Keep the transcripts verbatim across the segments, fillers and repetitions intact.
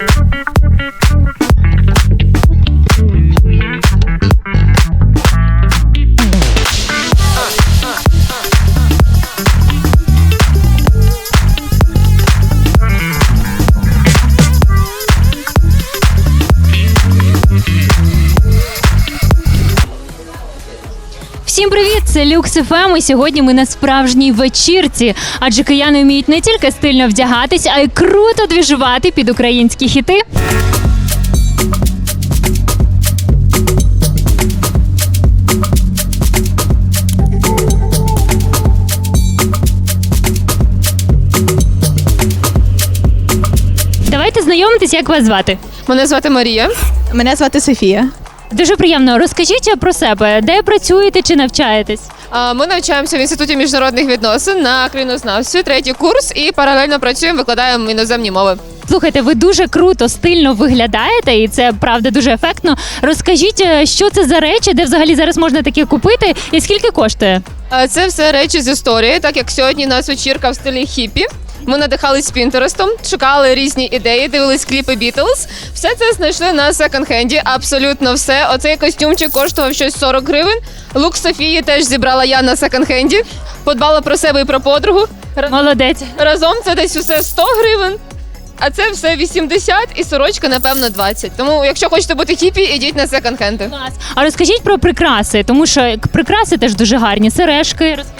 Всім привіт! Це Люкс еф ем, і сьогодні ми на справжній вечірці. Адже кияни вміють не тільки стильно вдягатись, а й круто двіжувати під українські хіти. Давайте знайомитись, як вас звати. Мене звати Марія. Мене звати Софія. Дуже приємно. Розкажіть про себе, де працюєте чи навчаєтесь? А, Ми навчаємося в Інституті міжнародних відносин на країнознавстві, третій курс, і паралельно працюємо, викладаємо іноземні мови. Слухайте, ви дуже круто, стильно виглядаєте, і це, правда, дуже ефектно. Розкажіть, що це за речі, де взагалі зараз можна таке купити, і скільки коштує? А, Це все речі з історії, так як сьогодні у нас вечірка в стилі хіппі. Ми надихались Пінтерестом, шукали різні ідеї, дивились кліпи Бітлз. Все це знайшли на секонд-хенді, абсолютно все. Оцей костюмчик коштував щось сорок гривень. Лук Софії теж зібрала я на секонд-хенді. Подбала про себе і про подругу. Молодець. Разом це десь усе сто гривень. А це все вісімдесят і сорочка, напевно, двадцять. Тому, якщо хочете бути хіпі, ідіть на секонд-хенди. Клас. А розкажіть про прикраси, тому що прикраси теж дуже гарні. Сережки, розкажіть.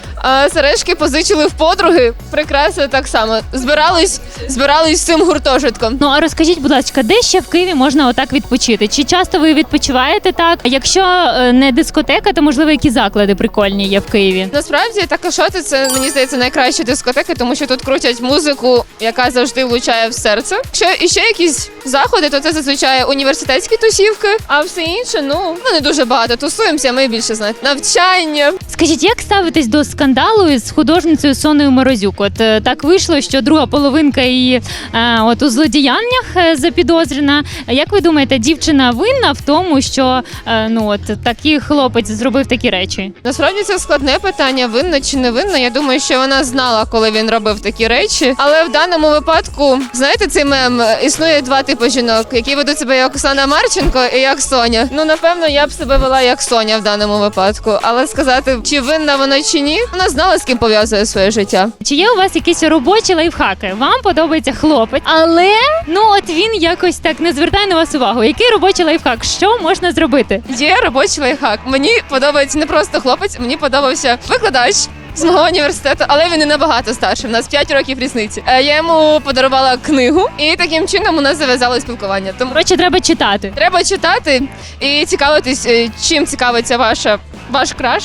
А сережки позичили в подруги, прикраси так само. Збирались, збирались з цим гуртожитком. Ну, а розкажіть, будь ласка, де ще в Києві можна отак відпочити? Чи часто ви відпочиваєте так? Якщо е, не дискотека, то, можливо, які заклади прикольні є в Києві? Насправді, Такашоти – це, мені здається, найкращі дискотеки, тому що тут крутять музику, яка завжди влучає в серце. Якщо іще якісь заходи, то це зазвичай університетські тусівки, а все інше, ну, ну не дуже багато. Тусуємося, ми більше знаєте, навчання. Скажіть, як ставитесь до скандалу із художницею Соною Морозюк? От е, так вийшло, що друга половинка її е, от у злодіяннях е, запідозрена. Як ви думаєте, дівчина винна в тому, що е, ну от такий хлопець зробив такі речі? Насправді це складне питання, винна чи не винна. Я думаю, що вона знала, коли він робив такі речі. Але в даному випадку, знаєте, цей мем, існує два типи жінок, які ведуть себе як Оксана Марченко і як Соня. Ну, напевно, я б себе вела як Соня в даному випадку. Але сказати, чи винна вона чи ні, вона знала, з ким пов'язує своє життя. Чи є у вас якісь робочі лайфхаки? Вам подобається хлопець, але ну от він якось так не звертає на вас увагу. Який робочий лайфхак? Що можна зробити? Є робочий лайфхак. Мені подобається не просто хлопець, мені подобався викладач з мого університету, але він не набагато старший. У нас п'ять років різниці. Е, Я йому подарувала книгу, і таким чином у нас зав'язало спілкування. Тому Коротше, треба читати. треба читати і цікавитись, е, чим цікавиться ваша ваш краш,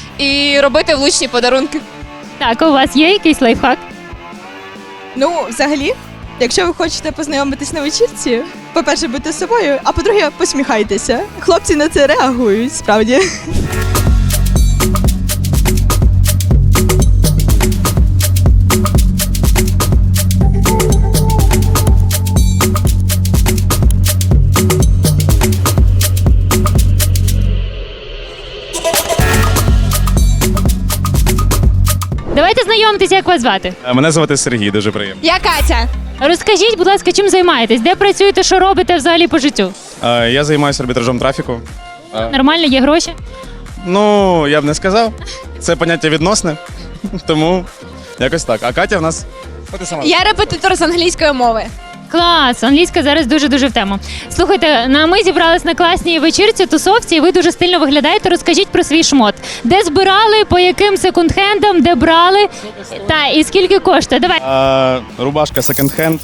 і робити влучні подарунки. Так, у вас є якийсь лайфхак? Ну, взагалі, якщо ви хочете познайомитись на вечірці, по-перше, будьте собою, а по-друге, посміхайтеся. Хлопці на це реагують, справді. Давайте знайомитися, як вас звати. Мене звати Сергій, дуже приємно. Я Катя. Розкажіть, будь ласка, чим займаєтесь? Де працюєте, що робите взагалі по життю? Е, Я займаюся арбітражом трафіку. Е, Нормально, є гроші? Ну, я б не сказав. Це поняття відносне, тому якось так. А Катя в нас... О, ти сама. Я репетитор з англійської мови. Клас, англійська зараз дуже-дуже в тему. Слухайте, на ми зібрались на класній вечірці, тусовці, і ви дуже стильно виглядаєте. Розкажіть про свій шмот. Де збирали, по яким секонд-хендам, де брали, та і скільки коштує? Давай. Е, Рубашка секонд-хенд.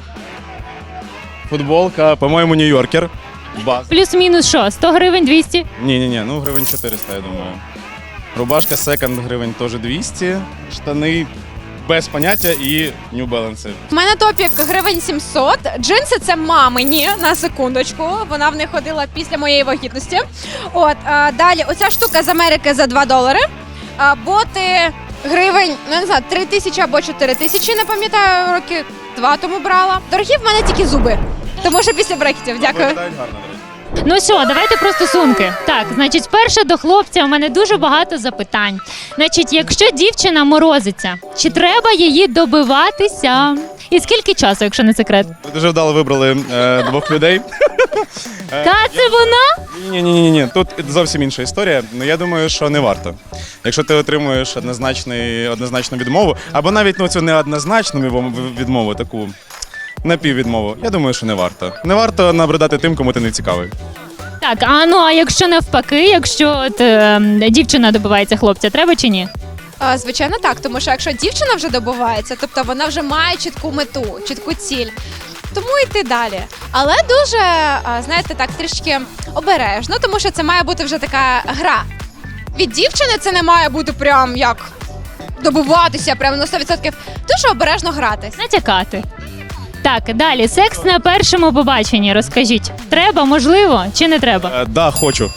Футболка, по-моєму, Нью-Йоркер. Баз. Плюс-мінус що, сто гривень, двісті? Ні-ні-ні, ну гривень чотириста, я думаю. Рубашка секонд гривень теж двісті. Штани без поняття і New Balance. У мене топік гривень сімсот. Джинси це мамині, на секундочку. Вона в них ходила після моєї вагітності. От, а, далі, оця штука з Америки за два долари. А, боти гривень, ну не знаю, три тисячі або чотири тисячі, не пам'ятаю, роки два тому брала. Дорогі в мене тільки зуби, тому що після брекетів. Дякую. Виглядають гарно, до речі. Ну що, давайте про стосунки. Так, значить, спершу до хлопця у мене дуже багато запитань. Значить, якщо дівчина морозиться, чи треба її добиватися? І скільки часу, якщо не секрет? Ви дуже вдало вибрали е, двох людей. Та це вона? Ні, ні, ні, ні. Тут зовсім інша історія. Ну я думаю, що не варто. Якщо ти отримуєш однозначний, однозначну відмову, або навіть ну, цю неоднозначну відмову- відмову, таку напіввідмову, я думаю, що не варто. Не варто набридати тим, кому ти не цікавий. Так, а ну а якщо навпаки, якщо от, е, дівчина добивається хлопця, треба чи ні? А, Звичайно, так, тому що якщо дівчина вже добувається, тобто вона вже має чітку мету, чітку ціль, тому йти далі. Але дуже, а, знаєте, так трішки обережно, тому що це має бути вже така гра. Від дівчини це не має бути прям як добуватися, прям на сто відсотків. Дуже обережно грати. Натякати. Так, далі. Секс на першому побаченні. Розкажіть. Треба, можливо, чи не треба? Е, да, хочу.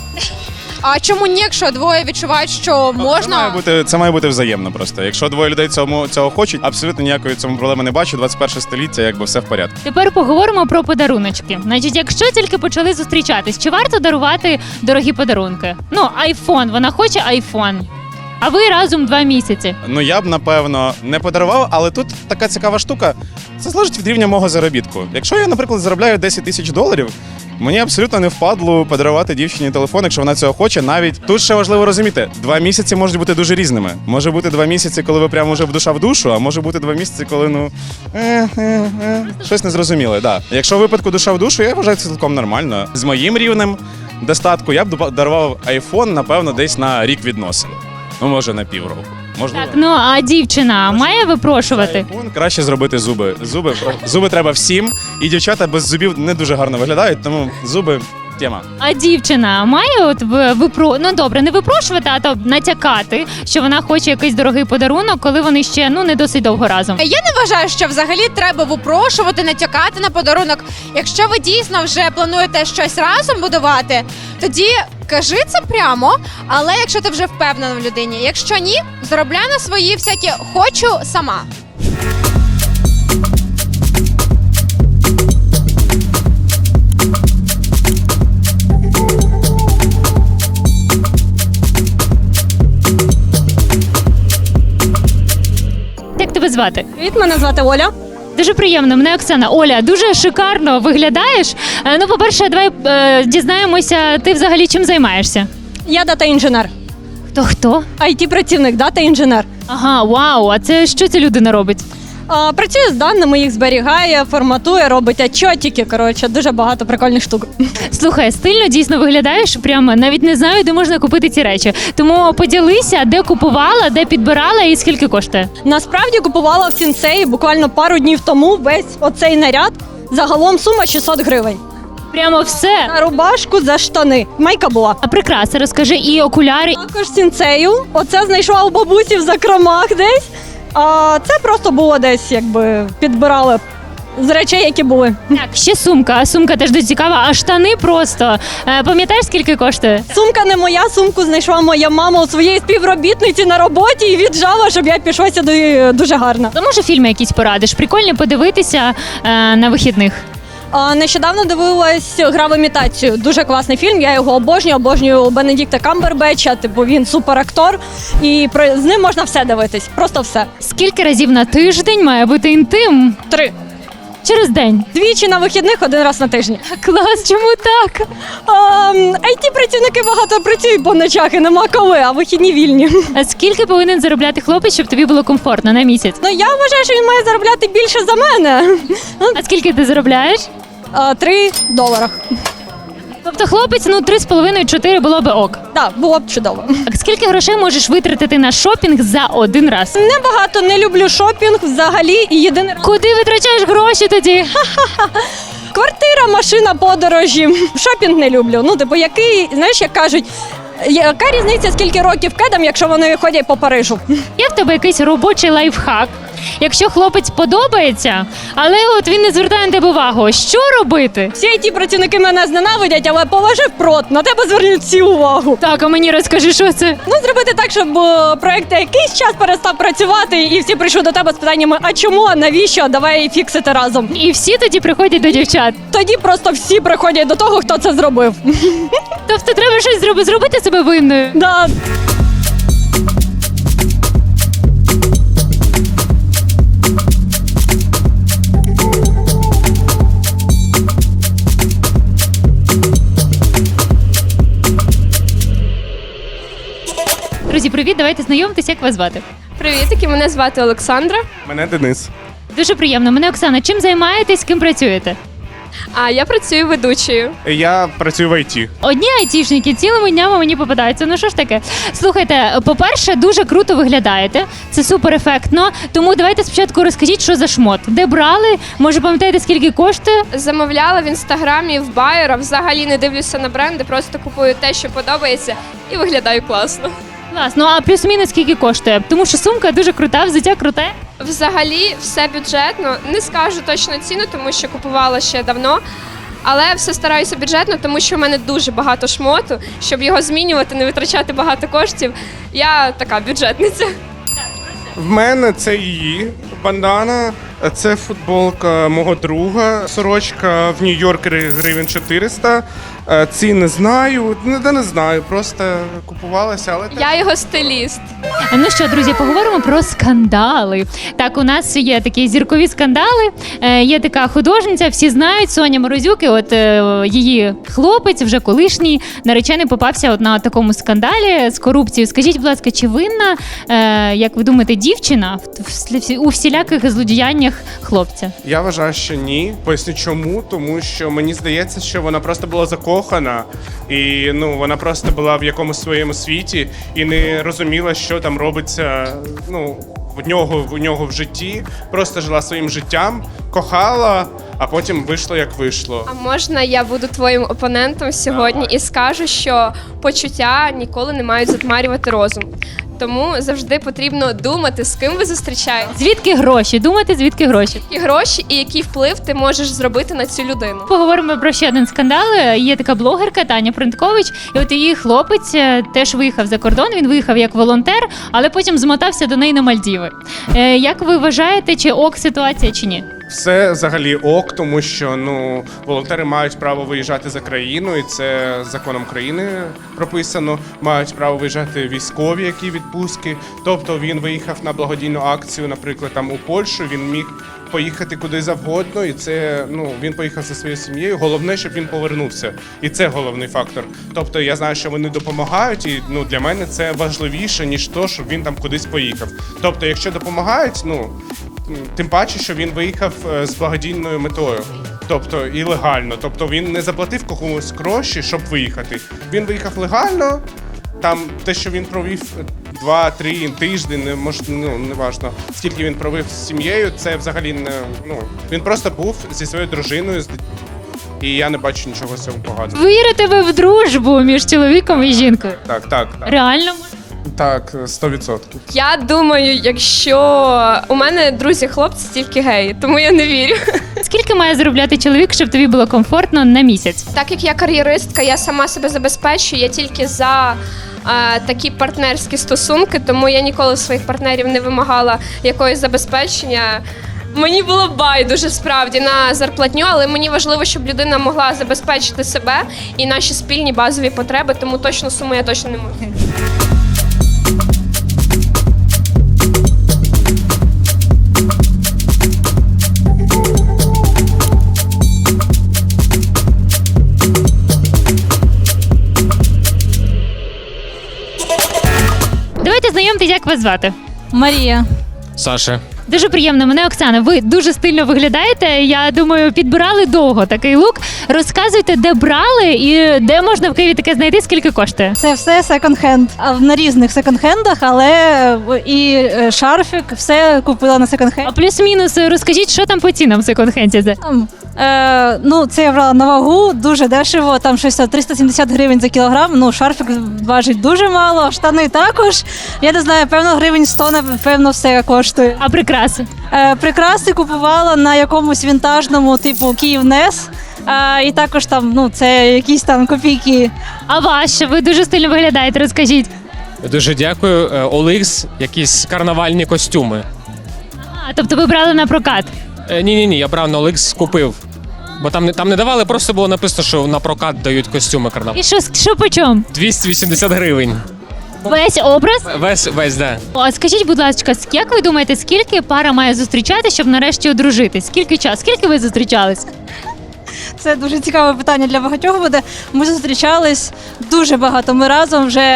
А чому ні, якщо двоє відчувають, що Це має можна? бути, це має бути взаємно просто. Якщо двоє людей цьому, цього хочуть, абсолютно ніякої цьому проблеми не бачу. двадцять перше століття, якби все в порядку. Тепер поговоримо про подаруночки. Значить, якщо тільки почали зустрічатись, чи варто дарувати дорогі подарунки? Ну, айфон, вона хоче айфон. А ви разом два місяці. Ну я б напевно не подарував, але тут така цікава штука. Це залежить від рівня мого заробітку. Якщо я, наприклад, заробляю десять тисяч доларів, мені абсолютно не впадло подарувати дівчині телефон, якщо вона цього хоче. Навіть тут ще важливо розуміти, два місяці можуть бути дуже різними. Може бути два місяці, коли ви прямо вже в душа в душу, а може бути два місяці, коли ну е, е, е, щось незрозуміле. Да. Якщо в випадку душа в душу, я вважаю це цілком нормально. З моїм рівнем достатку я б дарував айфон, напевно, десь на рік відносин. Ну, може, на півроку. Можливо. Так, ну а дівчина має випрошувати? Айфон краще зробити зуби. Зуби, зуби треба всім, і дівчата без зубів не дуже гарно виглядають, тому зуби тема. А дівчина має от в- випро... ну добре, не випрошувати, а то натякати, що вона хоче якийсь дорогий подарунок, коли вони ще ну не досить довго разом. Я не вважаю, що взагалі треба випрошувати, натякати на подарунок. Якщо ви дійсно вже плануєте щось разом будувати, тоді кажи це прямо. Але якщо ти вже впевнена в людині, якщо ні, заробляй на свої всякі хочу сама. Як тебе звати? Привіт, мене звати Оля. Дуже приємно, мене Оксана. Оля, дуже шикарно виглядаєш. Е, Ну, по-перше, давай е, дізнаємося, ти взагалі чим займаєшся? Я дата-інженер. Хто хто? ай ті-працівник, дата-інженер. Ага, вау, а це що ця людина робить? А, працює з даними, їх зберігає, форматує, робить отчотики. Коротше, дуже багато прикольних штук. Слухай, стильно дійсно виглядаєш. Прямо навіть не знаю, де можна купити ці речі. Тому поділися, де купувала, де підбирала і скільки коштує. Насправді купувала в Сінсеї буквально пару днів тому весь оцей наряд. Загалом сума шістсот гривень. Прямо все. На рубашку за штани. Майка була. А прикраси, розкажи, і окуляри. Також Сінсею. Оце знайшла у бабусі в закромах десь. А це просто було десь, якби підбирали з речей, які були. Так, ще сумка. А сумка теж дуже цікава. А штани просто. Е, Пам'ятаєш, скільки коштує? Сумка не моя, сумку знайшла моя мама у своєї співробітниці на роботі і віджала, щоб я пішла сюди дуже гарно. То може фільми якісь порадиш? Прикольні подивитися е, на вихідних. А, нещодавно дивилась «Гра в імітацію». Дуже класний фільм, я його обожнюю, обожнюю Бенедікта Камбербетча, типу він суперактор, і про, з ним можна все дивитись, просто все. Скільки разів на тиждень має бути інтим? Три. Через день. Двічі на вихідних, один раз на тижні. Клас, чому так? ай ті-працівники багато працюють по ночах і нема коли, а вихідні вільні. А скільки повинен заробляти хлопець, щоб тобі було комфортно на місяць? Ну я вважаю, що він має заробляти більше за мене. А скільки ти заробляєш? А, Три доларах. Тобто хлопець, ну три з половиною чотири було би ок. Так, було б чудово. А скільки грошей можеш витратити на шопінг за один раз? Небагато, не люблю шопінг взагалі і єдине Куди витрачаєш гроші тоді? квартира, машина, подорожі. Шопінг не люблю. Ну, типу, який, знаєш, як кажуть, яка різниця, скільки років кедам, якщо вони ходять по Парижу? Є в тебе якийсь робочий лайфхак? Якщо хлопець подобається, але от він не звертає на тебе увагу, що робити? Всі ай ті-працівники мене зненавидять, але положив прот, на тебе звернуть всі увагу. Так, а мені розкажи, що це? Ну, зробити так, щоб е, проект якийсь час перестав працювати, і всі прийшли до тебе з питаннями, а чому, а навіщо, давай фіксити разом. І всі тоді приходять до дівчат. Тоді просто всі приходять до того, хто це зробив. Тобто треба щось зробити, зробити себе винною. Да. Друзі, привіт, давайте знайомитись, як вас звати. Привітики, мене звати Олександра. Мене Денис. Дуже приємно. Мене Оксана. Чим займаєтесь, ким працюєте? А я працюю ведучою. Я працюю в ай ті. Одні айтішники цілими днями мені попадаються. Ну що ж таке? Слухайте, по-перше, дуже круто виглядаєте. Це супер ефектно. Тому давайте спочатку розкажіть, що за шмот. Де брали? Може, пам'ятаєте, скільки коштує? Замовляла в інстаграмі в байера. Взагалі не дивлюся на бренди, просто купую те, що подобається, і виглядаю класно. Клас. Ну а плюс-мінус скільки коштує? Тому що сумка дуже крута, взуття круте. Взагалі все бюджетно. Не скажу точно ціну, тому що купувала ще давно. Але все стараюся бюджетно, тому що в мене дуже багато шмоту. Щоб його змінювати, не витрачати багато коштів. Я така бюджетниця. В мене це її бандана, це футболка мого друга, сорочка в Нью-Йоркері гривень чотириста. Е, Ці не знаю, не, да не знаю, просто купувалася, але Я його стиліст. Ну що, друзі, поговоримо про скандали. Так, у нас є такі зіркові скандали. Е, є така художниця, всі знають, Соня Морозюк, і от е, її хлопець, вже колишній наречений, попався от на такому скандалі з корупцією. Скажіть, будь ласка, чи винна, е, як ви думаєте, дівчина в, в, у всіляких злодіяннях хлопця? я вважаю, що ні. Поясню чому, тому що мені здається, що вона просто була закохана, і ну вона просто була в якомусь своєму світі і не розуміла, що там робиться. Ну в нього в нього в житті, просто жила своїм життям, кохала, а потім вийшло як вийшло. А можна я буду твоїм опонентом сьогодні і скажу, що почуття ніколи не мають затьмарювати розум. Тому завжди потрібно думати, з ким ви зустрічаєтесь, Звідки гроші? Думати, звідки гроші? які гроші і який вплив ти можеш зробити на цю людину. Поговоримо про ще один скандал. Є така блогерка Таня Принткович, і от її хлопець е, теж виїхав за кордон. Він виїхав як волонтер, але потім змотався до неї на Мальдіви. Е, як ви вважаєте, чи ок ситуація, чи ні? Все взагалі ок, тому що ну волонтери мають право виїжджати за країну, і це законом країни прописано. Мають право виїжджати військові, які відпустки. Тобто він виїхав на благодійну акцію, наприклад, там у Польщу. Він міг поїхати куди завгодно, і це ну він поїхав зі своєю сім'єю. Головне, щоб він повернувся, і це головний фактор. Тобто я знаю, що вони допомагають, і ну для мене це важливіше ніж то, щоб він там кудись поїхав. Тобто, якщо допомагають, ну. Тим паче, що він виїхав е, з благодійною метою, тобто і легально. Тобто він не заплатив комусь гроші, щоб виїхати. Він виїхав легально. Там те, що він провів два-три тижні, не мож, ну не важно, скільки він провів з сім'єю, це взагалі не ну він просто був зі своєю дружиною, з і я не бачу нічого з цього поганого. Вірите ви в дружбу між чоловіком і жінкою? Так, так, так. Реально? Так, сто відсотків. Я думаю, якщо у мене друзі хлопці тільки геї, тому я не вірю. Скільки має заробляти чоловік, щоб тобі було комфортно на місяць? Так як я кар'єристка, я сама себе забезпечую, я тільки за е, такі партнерські стосунки, тому я ніколи в своїх партнерів не вимагала якогось забезпечення. Мені було байдуже справді на зарплатню, але мені важливо, щоб людина могла забезпечити себе і наші спільні базові потреби, тому точну суму я точно не можу. Давайте знайомтесь, як вас звати. Марія. Саша. Дуже приємно, мене Оксана. Ви дуже стильно виглядаєте. Я думаю, підбирали довго такий лук. Розказуйте, де брали і де можна в Києві таке знайти, скільки коштує. Це все секонд-хенд. А на різних секонд-хендах, але і е, шарфік, все купила на секонд-хенд. А плюс-мінус розкажіть, що там по цінам в секонд-хенді? Там, е, ну, це я брала на вагу, дуже дешево, там щось триста сімдесят гривень за кілограм. Ну, шарфік важить дуже мало, штани також. Я не знаю, певно, гривень сто, напевно, все коштує. А прикраси? Е, прикраси купувала на якомусь вінтажному, типу Київнес. Е, і також там, ну, це якісь там копійки. А ваш? Ви дуже стильно виглядаєте, розкажіть. Дуже дякую. Е, Оликс, якісь карнавальні костюми. А, тобто ви брали на прокат? Ні, ні, ні, я брав на Оликс, купив. Бо там не там не давали, просто було написано, що на прокат дають костюми карнавальні. І що, що по чому? двісті вісімдесят гривень. Весь образ? Весь, весь, да. А скажіть, будь ласка, як ви думаєте, скільки пара має зустрічатися, щоб нарешті одружитись? Скільки часу? Скільки ви зустрічались? Це дуже цікаве питання для багатьох буде. Ми зустрічались дуже багато. Ми разом вже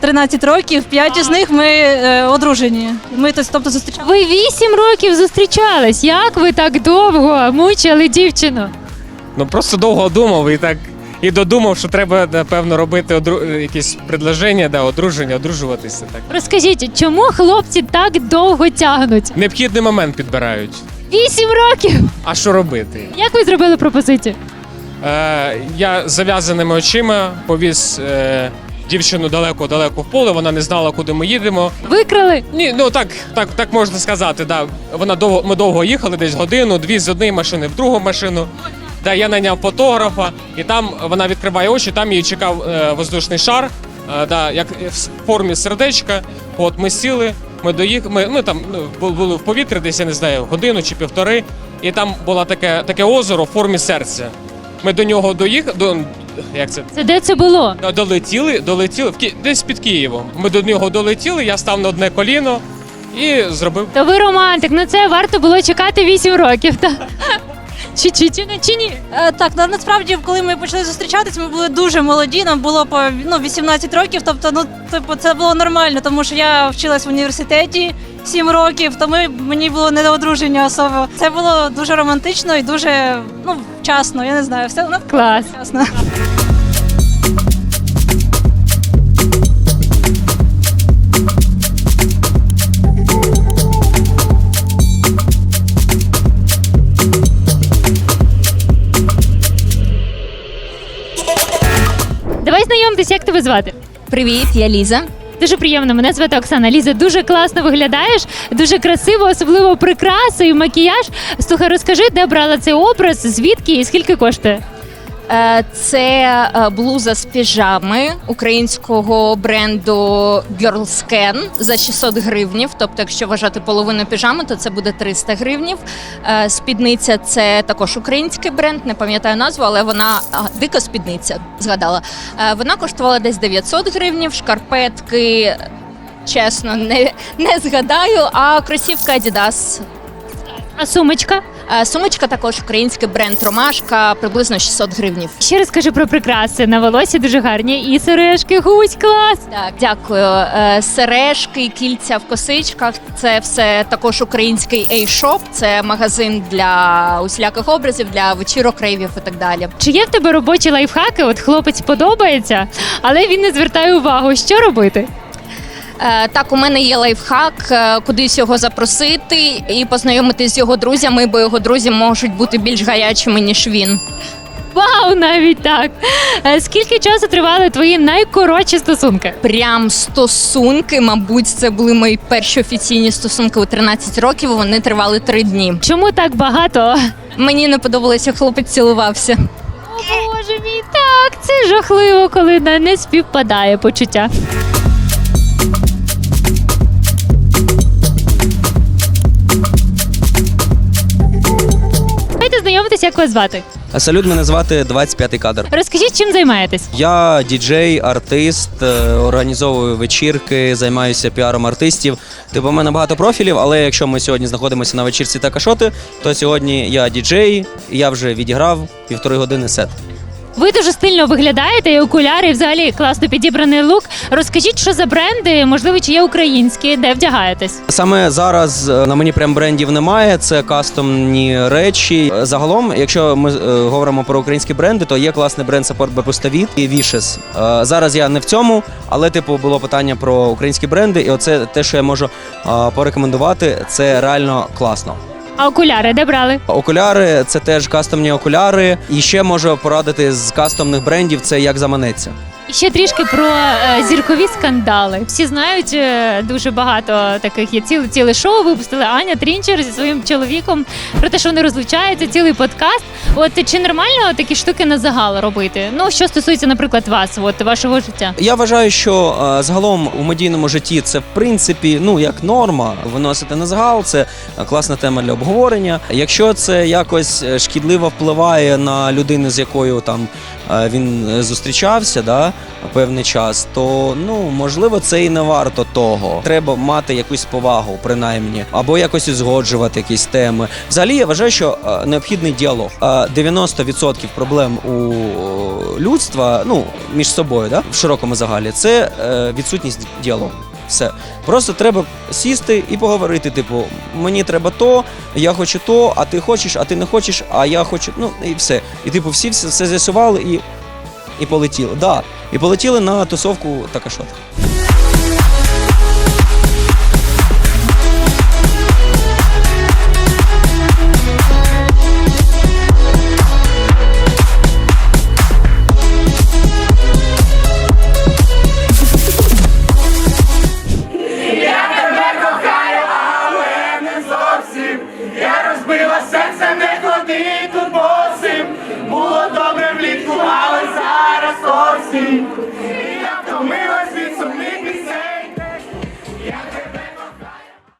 тринадцять років, п'ять із них ми е, одружені. Ми тобто зустрічалися. Ви вісім років зустрічались. Як ви так довго мучили дівчину? Ну просто довго думав і так і додумав, що треба, напевно, робити одру... якісь предложення, да, одруження, одружуватися. Так. Розкажіть, чому хлопці так довго тягнуть? Необхідний момент підбирають. Вісім років! А що робити? Як ви зробили пропозицію? Е, я з зав'язаними очима повіз е, дівчину далеко-далеко в поле, вона не знала, куди ми їдемо. Викрали? Ні, ну так, так, так можна сказати. Да. Вона довго, ми довго їхали, десь годину, дві з однієї машини в другу машину. Да, я наняв фотографа, і там вона відкриває очі, там її чекав е, воздушний шар, е, да, як в формі сердечка. От ми сіли, ми доїхали, ми, ми там ну, були в повітрі, десь я не знаю, годину чи півтори, і там було таке, таке озеро в формі серця. Ми до нього доїхали, до, як це? Це де це було? Долетіли, долетіли в Ки... десь під Києвом. Ми до нього долетіли, я став на одне коліно і зробив. То ви романтик, ну це варто було чекати вісім років. Та? Чи, чи, чи, не- чи ні? Е, так, на- насправді, коли ми почали зустрічатись, ми були дуже молоді, нам було по ну, вісімнадцять років, тобто ну, типу, це було нормально, тому що я вчилась в університеті сім років, тому мені було не до одруження особо. Це було дуже романтично і дуже ну, вчасно, я не знаю, все ну, Клас. вчасно. Давай знайомитись, як тебе звати? Привіт, я Ліза. Дуже приємно, мене звати Оксана. Ліза, дуже класно виглядаєш, дуже красиво, особливо прикраси і макіяж. Слухай, розкажи, де брала цей образ, звідки і скільки коштує? Е, Це е, блуза з піжами українського бренду Girlscan за шістсот гривнів. Тобто, якщо вважати половину піжами, то це буде триста гривнів. Е, Спідниця – це також український бренд, не пам'ятаю назву, але вона а, дика спідниця, згадала. Е, Вона коштувала десь дев'ятсот гривнів, шкарпетки, чесно, не, не згадаю, а кросівка Adidas. А сумочка? Е, Сумочка також український бренд Ромашка, приблизно шістсот гривнів. Ще розкажи про прикраси. На волосі дуже гарні. І сережки, гусь, клас. Так, дякую. Е, Сережки, кільця в косичках – це все також український A-Shop. Це магазин для усіляких образів, для вечірок, рейвів і так далі. Чи є в тебе робочі лайфхаки? От хлопець подобається, але він не звертає увагу. Що робити? Е, Так, у мене є лайфхак, е, кудись його запросити і познайомитись з його друзями, бо його друзі можуть бути більш гарячими, ніж він. Вау, навіть так. Е, Скільки часу тривали твої найкоротші стосунки? Прям стосунки, мабуть, це були мої перші офіційні стосунки у тринадцять років, вони тривали три дні. Чому так багато? Мені не подобалося, як хлопець цілувався. О, Боже мій, так, це жахливо, коли не не співпадає почуття. Давайте знайомитися, як вас звати. Салют, мене звати двадцять п'ятий кадр. Розкажіть, чим займаєтесь? Я діджей, артист, е, організовую вечірки, займаюся піаром артистів. Типу, у мене багато профілів, але якщо ми сьогодні знаходимося на вечірці Такашоти, то сьогодні я діджей, і я вже відіграв півтори години сет. Ви дуже стильно виглядаєте, і окуляри, і взагалі класно підібраний лук. Розкажіть, що за бренди, можливо, чи є українські, де вдягаєтесь? Саме зараз е, на мені прям брендів немає, це кастомні речі. Е, Загалом, якщо ми е, говоримо про українські бренди, то є класний бренд Support Бепуставіт і Vicious. Е, Зараз я не в цьому, але типу було питання про українські бренди, і оце те, що я можу е, порекомендувати, це реально класно. А окуляри де брали? Окуляри це теж кастомні окуляри. І ще можу порадити з кастомних брендів, це як заманеться. І ще трішки про е, зіркові скандали. Всі знають, е, дуже багато таких є. Ціле, ціле шоу випустили Аня Трінчер зі своїм чоловіком про те, що вони розлучаються, цілий подкаст. От чи нормально такі штуки на загал робити? Ну, що стосується, наприклад, вас, от вашого життя? Я вважаю, що е, загалом у медійному житті це в принципі ну як норма виносити на загал. Це класна тема для обговорення. Якщо це якось шкідливо впливає на людину, з якою там е, він зустрічався, да певний час, то ну можливо це і не варто того. Треба мати якусь повагу, принаймні, або якось узгоджувати якісь теми. Взагалі я вважаю, що е, необхідний діалог. Е, дев'яносто відсотків проблем у людства, ну між собою, да, в широкому загалі, це е, відсутність діалогу. Все. Просто треба сісти і поговорити. Типу, мені треба то, я хочу то, а ти хочеш, а ти не хочеш, а я хочу. Ну і все. І типу, всі все, все з'ясували і, і полетіли. Да. І полетіли на тусовку Такашот. Було добре влітку, але зараз осінь.